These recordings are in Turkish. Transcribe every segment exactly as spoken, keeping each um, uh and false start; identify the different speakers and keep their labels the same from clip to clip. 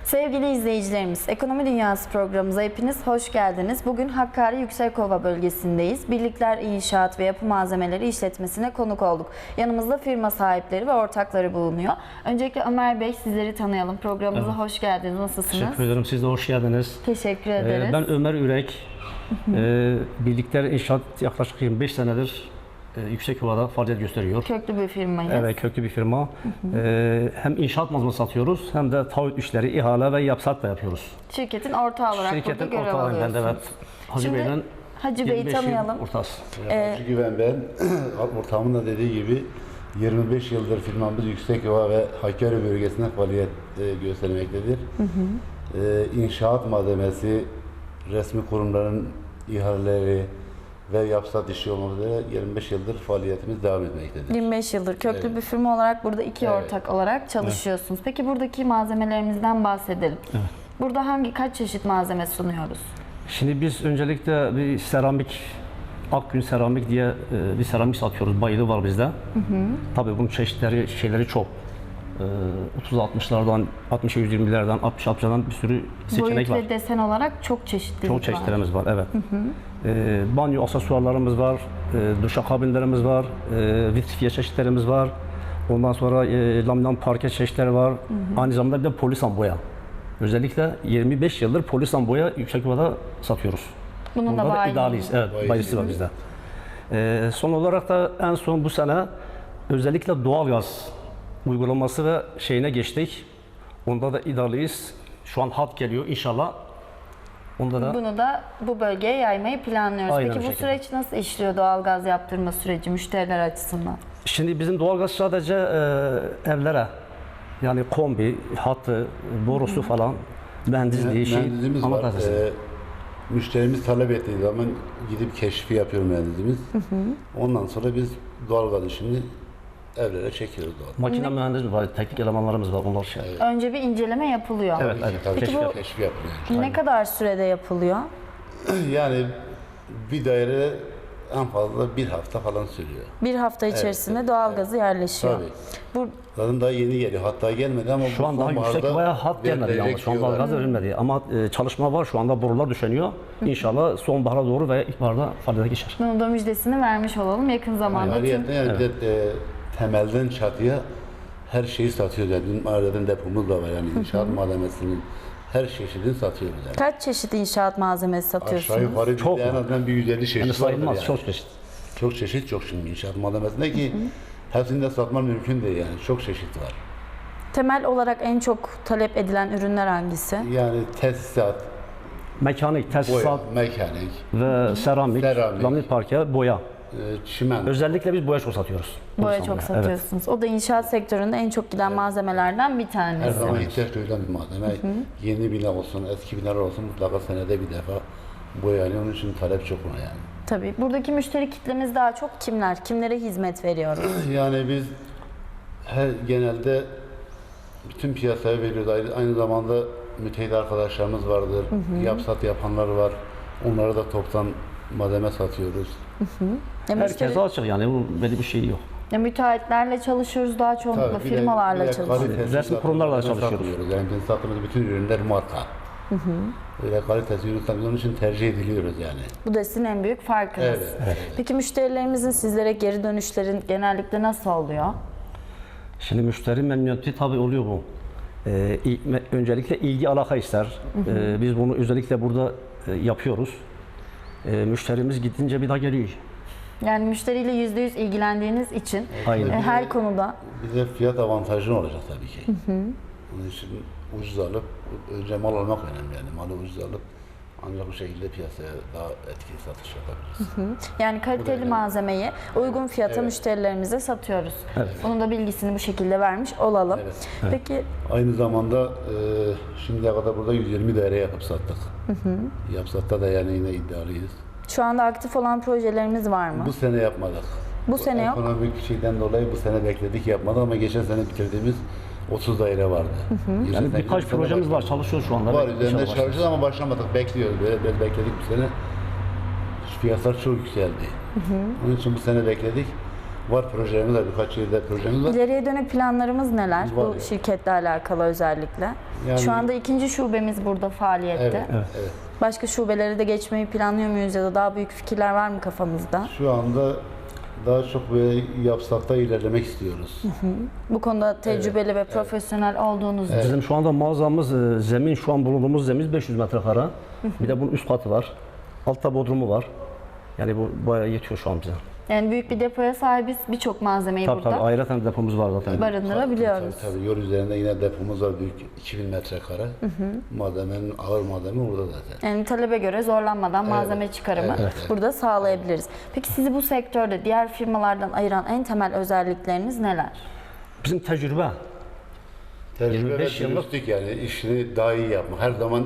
Speaker 1: Sevgili izleyicilerimiz, Ekonomi Dünyası programımıza hepiniz hoş geldiniz. Bugün Hakkari Yüksekova bölgesindeyiz. Birlikler İnşaat ve Yapı Malzemeleri işletmesine konuk olduk. Yanımızda firma sahipleri ve ortakları bulunuyor. Öncelikle Ömer Bey, sizleri tanıyalım. Programımıza evet. hoş geldiniz. Nasılsınız?
Speaker 2: Teşekkür ederim. Siz de hoş geldiniz.
Speaker 1: Teşekkür ederiz.
Speaker 2: Ee, ben Ömer Ürek. ee, Birlikler İnşaat yaklaşık yirmi beş senedir e, Yüksekova'da faaliyet gösteriyor.
Speaker 1: Köklü bir firmayız.
Speaker 2: Evet, köklü bir firma. Hı hı. Ee, hem inşaat malzeme satıyoruz hem de taahhüt işleri, ihale ve yapsat da yapıyoruz.
Speaker 1: Şirketin ortağı olarak
Speaker 2: Şirketin
Speaker 1: burada görev
Speaker 2: ortağı
Speaker 1: alıyorsunuz.
Speaker 2: Ben de, evet. Hacı
Speaker 1: Şimdi,
Speaker 2: Bey'den
Speaker 1: Hacı Bey'i tanıyalım.
Speaker 2: Ortası.
Speaker 3: Ee, Hacı Güven ben. Ortağımın da dediği gibi yirmi beş yıldır firmamız Yüksekova ve Hakkari bölgesinde faaliyet e, göstermektedir. Hı hı. E, inşaat malzemesi, resmi kurumların ihaleleri ve yapsat işi olmak üzere yirmi beş yıldır faaliyetimiz devam etmektedir.
Speaker 1: yirmi beş yıldır köklü evet. bir firma olarak burada iki evet. ortak olarak çalışıyorsunuz. Evet. Peki buradaki malzemelerimizden bahsedelim. Evet. Burada hangi kaç çeşit malzeme sunuyoruz?
Speaker 2: Şimdi biz öncelikle bir seramik, Akgün Seramik diye bir seramik satıyoruz. Bayılı var bizde. Hı hı. Tabii bunun çeşitleri, şeyleri çok. otuz altmışlardan, altmış yüz yirmilerden, altmış altmışlardan bir sürü seçenek
Speaker 1: Boyut
Speaker 2: var.
Speaker 1: Boyut ve desen olarak çok çeşitlilik
Speaker 2: Çok çeşitlerimiz var,
Speaker 1: var
Speaker 2: evet. Hı hı. E, banyo aksesuarlarımız var, e, duşakabinlerimiz var, e, vitrifiye çeşitlerimiz var. Ondan sonra e, laminat parke çeşitleri var. Hı hı. Aynı zamanda bir de polisan boya. Özellikle yirmi beş yıldır polisan boya Yüksekova'da satıyoruz.
Speaker 1: Bunun
Speaker 2: Bunda
Speaker 1: da,
Speaker 2: da iddialıyız. Evet, bayisi, bayisi var bizde. E, son olarak da en son bu sene özellikle doğalgaz uygulaması ve şeyine geçtik. Onda da iddialıyız. Şu an hat geliyor inşallah. Onda da
Speaker 1: bunu da bu bölgeye yaymayı planlıyoruz.
Speaker 2: Aynen
Speaker 1: Peki bu
Speaker 2: şekilde.
Speaker 1: süreç nasıl işliyor, doğalgaz yaptırma süreci müşteriler açısından?
Speaker 2: Şimdi bizim doğalgaz sadece e, evlere, yani kombi, hattı, borusu Hı-hı. falan, mühendisliği, şey,
Speaker 3: mühendisimiz var. Ee, müşterimiz talep ettiği zaman gidip keşfi yapıyor mühendisimiz. Hı hı. Ondan sonra biz doğalgaz işini evlere çekiyoruz doğal.
Speaker 2: Makine mühendisimiz var, teknik elemanlarımız var, onlar şey.
Speaker 1: Evet. Önce bir inceleme yapılıyor.
Speaker 2: Evet, evet.
Speaker 3: Tabii
Speaker 1: Peki
Speaker 3: keşfi,
Speaker 1: bu
Speaker 3: keşfi yapılıyor.
Speaker 1: Ne
Speaker 2: Aynen.
Speaker 1: kadar sürede yapılıyor?
Speaker 3: Yani bir daire en fazla bir hafta falan sürüyor.
Speaker 1: Bir hafta içerisinde
Speaker 3: evet,
Speaker 1: doğalgazı evet. yerleşiyor.
Speaker 3: Tabii.
Speaker 1: Bu
Speaker 3: Zaten daha yeni geliyor. Hatta gelmedi ama
Speaker 2: şu an daha Yüksekova'ya hat gelmedi yani. Şu an doğalgaz verilmedi. Ama e, çalışma var. Şu anda borular döşeniyor. İnşallah sonbahara doğru ve ilkbaharda faaliyete geçer.
Speaker 1: Bunun da müjdesini vermiş olalım yakın zamanda.
Speaker 3: Yani, yani, yani evet. bir de e, temelden çatıya her şeyi satıyoruz. Yani bizim aileden depomuz da var. Yani inşaat malzemesinin her çeşidini satıyoruz. Yani.
Speaker 1: Kaç çeşit inşaat malzemesi satıyorsunuz?
Speaker 3: Aşağı yukarı
Speaker 2: çok
Speaker 3: en azından bir yüz elli çeşit
Speaker 2: yani sayılmaz,
Speaker 3: yani.
Speaker 2: çok çeşit.
Speaker 3: Çok çeşit çok şimdi inşaat malzemesinde ki hepsini de satman mümkün değil yani. Çok çeşit var.
Speaker 1: Temel olarak en çok talep edilen ürünler hangisi?
Speaker 3: Yani tesisat,
Speaker 2: Mekanik, tesisat,
Speaker 3: boya, mekanik
Speaker 2: ve seramik,
Speaker 3: seramik,
Speaker 2: laminat parke, boya.
Speaker 3: çimen.
Speaker 2: Özellikle biz boya çok satıyoruz.
Speaker 1: Boya çok satıyorsunuz. Evet. O da inşaat sektöründe en çok giden evet. malzemelerden bir tanesi.
Speaker 3: Her zaman ihtiyaç duyulan bir malzeme. Hı hı. Yeni bina olsun, eski binalar olsun mutlaka senede bir defa boyanıyor. Onun için talep çok ona yani.
Speaker 1: Tabii. Buradaki müşteri kitlemiz daha çok kimler? Kimlere hizmet veriyoruz?
Speaker 3: Yani biz her genelde bütün piyasaya veriyoruz. Aynı, aynı zamanda müteahhit arkadaşlarımız vardır. Hı hı. Yapsat yapanlar var. Onlara da toptan malzeme satıyoruz.
Speaker 1: Hı hı. Ya
Speaker 2: herkese müşteri... açık yani. Böyle bir şey yok.
Speaker 1: Ya müteahhitlerle çalışıyoruz daha çoğunlukla Tabii, firmalarla de, çalışıyoruz.
Speaker 2: Resmi kurumlarla çalışıyoruz.
Speaker 3: Yani bizim sattığımız bütün ürünler marka. Hı hı. Öyle kalitesi ürün satıyoruz. Onun için tercih ediliyoruz yani.
Speaker 1: Bu da sizin en büyük farkınız.
Speaker 3: Evet, evet.
Speaker 1: Peki müşterilerimizin sizlere geri dönüşlerin genellikle nasıl oluyor?
Speaker 2: Şimdi müşteri memnuniyeti tabii oluyor bu. Ee, öncelikle ilgi alaka ister. Hı hı. Ee, biz bunu özellikle burada e, yapıyoruz. Ee, müşterimiz gidince bir daha geliyor.
Speaker 1: Yani müşteriyle yüzde yüz ilgilendiğiniz için
Speaker 2: Aynen.
Speaker 1: her bize, konuda...
Speaker 3: Bize fiyat avantajı olacak tabii ki. Hı hı. Onun için ucuz alıp, önce mal almak önemli yani. Malı ucuz alıp ancak bu şekilde piyasaya daha etkili satış yapabiliriz.
Speaker 1: Hı hı. Yani kaliteli malzemeyi uygun fiyata evet. müşterilerimize satıyoruz. Evet. Bunun da bilgisini bu şekilde vermiş olalım.
Speaker 3: Evet.
Speaker 1: Peki
Speaker 3: aynı zamanda e, şimdiye kadar burada yüz yirmi daire yapıp sattık. Hı hı. Yapsatta da yani yine iddialıyız.
Speaker 1: Şu anda aktif olan projelerimiz var mı?
Speaker 3: Bu sene yapmadık.
Speaker 1: Bu, bu sene yok.
Speaker 3: Ekonomik şeyden dolayı bu sene bekledik yapmadık ama geçen sene bitirdiğimiz otuz daire vardı.
Speaker 2: Hı hı. Yani birkaç projemiz var, çalışıyor şu anda.
Speaker 3: Var, üzerinde çalışıyoruz ama başlamadık, bekliyoruz. Böyle biraz bekledik bu sene. Fiyatlar çok yükseldi. Hı hı. Onun için bu sene bekledik. Var projelerimiz var, birkaç yılda projemiz var.
Speaker 1: İleriye dönük planlarımız neler
Speaker 3: Var
Speaker 1: bu
Speaker 3: ya.
Speaker 1: şirketle alakalı özellikle?
Speaker 3: Yani-
Speaker 1: Şu anda ikinci şubemiz burada faaliyette.
Speaker 3: Evet, evet.
Speaker 1: Başka şubeleri de geçmeyi planlıyor muyuz ya da daha büyük fikirler var mı kafamızda?
Speaker 3: Şu anda daha çok böyle yapsakta ilerlemek istiyoruz.
Speaker 1: Bu konuda tecrübeli ve profesyonel olduğunuz için.
Speaker 2: Bizim şu anda mağazamız, e, zemin şu an bulunduğumuz zemin beş yüz metrekare. Bir de bunun üst katı var. Altta bodrumu var. Yani bu bayağı yetiyor şu an bize.
Speaker 1: Yani büyük bir depoya sahibiz. Birçok malzemeyi
Speaker 2: Tabii
Speaker 1: burada
Speaker 2: tabii ayrıca depomuz var zaten.
Speaker 1: barındırabiliyoruz.
Speaker 3: Tabii, tabii yol üzerinde yine depomuz var, büyük iki bin metrekare. Malzemenin, ağır malzeme burada zaten.
Speaker 1: Yani talebe göre zorlanmadan malzeme çıkarımı
Speaker 3: evet, evet.
Speaker 1: burada sağlayabiliriz. Peki sizi bu sektörde diğer firmalardan ayıran en temel özellikleriniz neler?
Speaker 2: Bizim tecrübe.
Speaker 3: Tecrübe ve
Speaker 2: yirmi beş yıllık-
Speaker 3: dürüstlük, yani işini daha iyi yapma. Her zaman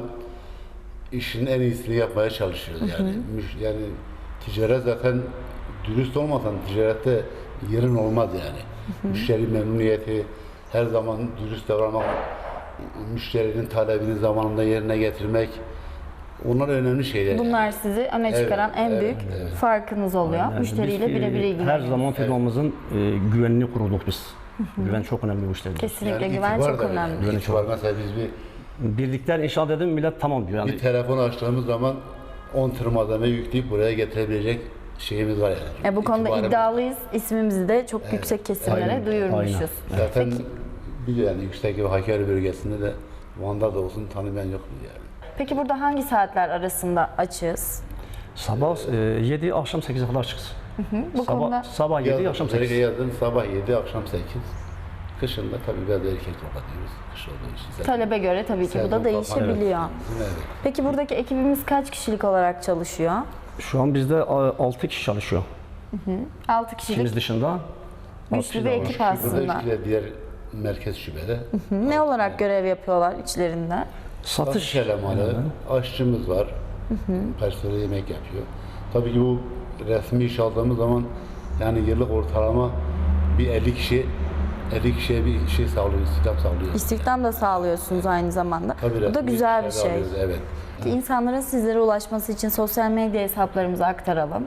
Speaker 3: işin en iyisini yapmaya çalışıyoruz yani. Müş- Yani ticaret zaten dürüst olmadan ticarette yerin olmaz yani. Müşteri memnuniyeti, her zaman dürüst davranmak, müşterinin talebini zamanında yerine getirmek, onlar önemli şeyler.
Speaker 1: Bunlar sizi öne
Speaker 3: Evet,
Speaker 1: çıkaran en
Speaker 3: evet,
Speaker 1: büyük
Speaker 3: evet.
Speaker 1: farkınız oluyor.
Speaker 2: Yani
Speaker 1: Müşteriyle
Speaker 2: biz, e,
Speaker 1: birebir
Speaker 2: Her
Speaker 1: ilgileniyoruz.
Speaker 2: zaman firmamızın e, güvenini koruduk biz. Güven çok önemli bu işlerde.
Speaker 1: Kesinlikle
Speaker 3: Yani
Speaker 1: güven
Speaker 3: itibar
Speaker 1: çok
Speaker 3: da
Speaker 1: önemli.
Speaker 3: önemli. İtibar, mesela biz bir
Speaker 2: Birlikler inşaat edin millet tamam diyor. Yani
Speaker 3: Bir telefon açtığımız zaman on tır malzeme yükleyip buraya getirebilecek şeyimiz var yani.
Speaker 1: E, bu konuda
Speaker 3: İtibarımız-
Speaker 1: iddialıyız. İsmimizi de çok yüksek kesimlere
Speaker 2: Aynen,
Speaker 1: duyurmuşuz.
Speaker 2: aynen.
Speaker 3: Zaten biliyor yani yüksek ve Hakkari bölgesinde de Van'da da olsun tanımayan yok mu yani.
Speaker 1: Peki burada hangi saatler arasında açığız?
Speaker 2: sabah e, yedi akşam sekize kadar çıksın.
Speaker 1: Bu
Speaker 2: sabah,
Speaker 1: konuda
Speaker 2: sabah yedi
Speaker 3: Yazın,
Speaker 2: akşam
Speaker 3: özellikle
Speaker 2: sekiz.
Speaker 3: yazın sabah yedi akşam sekiz. Kışın da tabii biraz erkek kapatıyoruz. Kış olduğu için. Zaten
Speaker 1: talebe göre tabii ki bu da
Speaker 3: sezon
Speaker 1: değişebiliyor.
Speaker 3: kapanıyor. Evet.
Speaker 1: Peki buradaki ekibimiz kaç kişilik olarak çalışıyor?
Speaker 2: Şu an bizde altı kişi çalışıyor.
Speaker 1: altı kişilik
Speaker 2: İkimiz dışında. altı
Speaker 1: güçlü
Speaker 2: kişi
Speaker 1: bir
Speaker 2: daha var.
Speaker 1: ekip
Speaker 3: Burada
Speaker 1: aslında.
Speaker 3: işte diğer merkez şubede.
Speaker 1: Ne olarak görev yapıyorlar içlerinde?
Speaker 2: Satış.
Speaker 3: Satış elemanı, aşçımız var. Personel yemek yapıyor. Tabii ki bu resmi iş aldığımız zaman yani yıllık ortalama bir elli kişi elli kişiye bir şey sağlıyor, istihdam sağlıyor.
Speaker 1: İstihdam da sağlıyorsunuz aynı zamanda.
Speaker 3: Tabii
Speaker 1: Bu da
Speaker 3: resmi
Speaker 1: güzel bir
Speaker 3: işlerde
Speaker 1: şey.
Speaker 3: alıyoruz, evet.
Speaker 1: İnsanların sizlere ulaşması için sosyal medya hesaplarımızı aktaralım.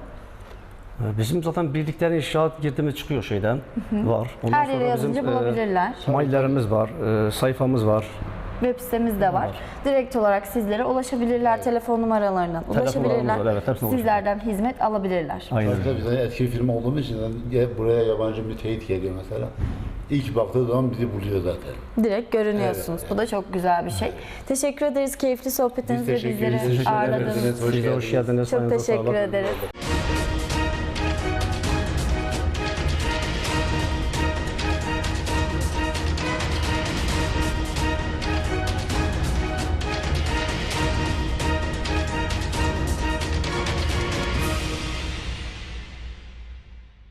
Speaker 2: Bizim zaten bildikleri inşaat girdiğimiz çıkıyor şeyden. Var. Ondan
Speaker 1: Her yere
Speaker 2: sonra
Speaker 1: yazınca
Speaker 2: bizim, e,
Speaker 1: bulabilirler.
Speaker 2: maillerimiz var, e, sayfamız var.
Speaker 1: Web sitemiz de var. Direkt olarak sizlere ulaşabilirler. Telefon numaralarından ulaşabilirler.
Speaker 2: var, evet, hepsine
Speaker 1: Sizlerden hizmet alabilirler.
Speaker 2: Aynen.
Speaker 3: Tabii tabii, biz eski bir firma olduğumuz için ya buraya yabancı bir teyit geliyor mesela. İlk baktığı zaman bizi buluyor zaten.
Speaker 1: Direkt görünüyorsunuz. Bu da çok güzel bir şey. Teşekkür ederiz keyifli
Speaker 3: Biz
Speaker 1: sohbetinizde
Speaker 3: teşekkür
Speaker 1: bizleri
Speaker 3: ederiz.
Speaker 1: ağırladığınız için.
Speaker 3: Hoş
Speaker 2: Siz de hoş
Speaker 3: geldiniz.
Speaker 2: geldiniz.
Speaker 1: Çok
Speaker 2: Ayağınıza
Speaker 1: teşekkür
Speaker 2: sağlık.
Speaker 1: ederiz.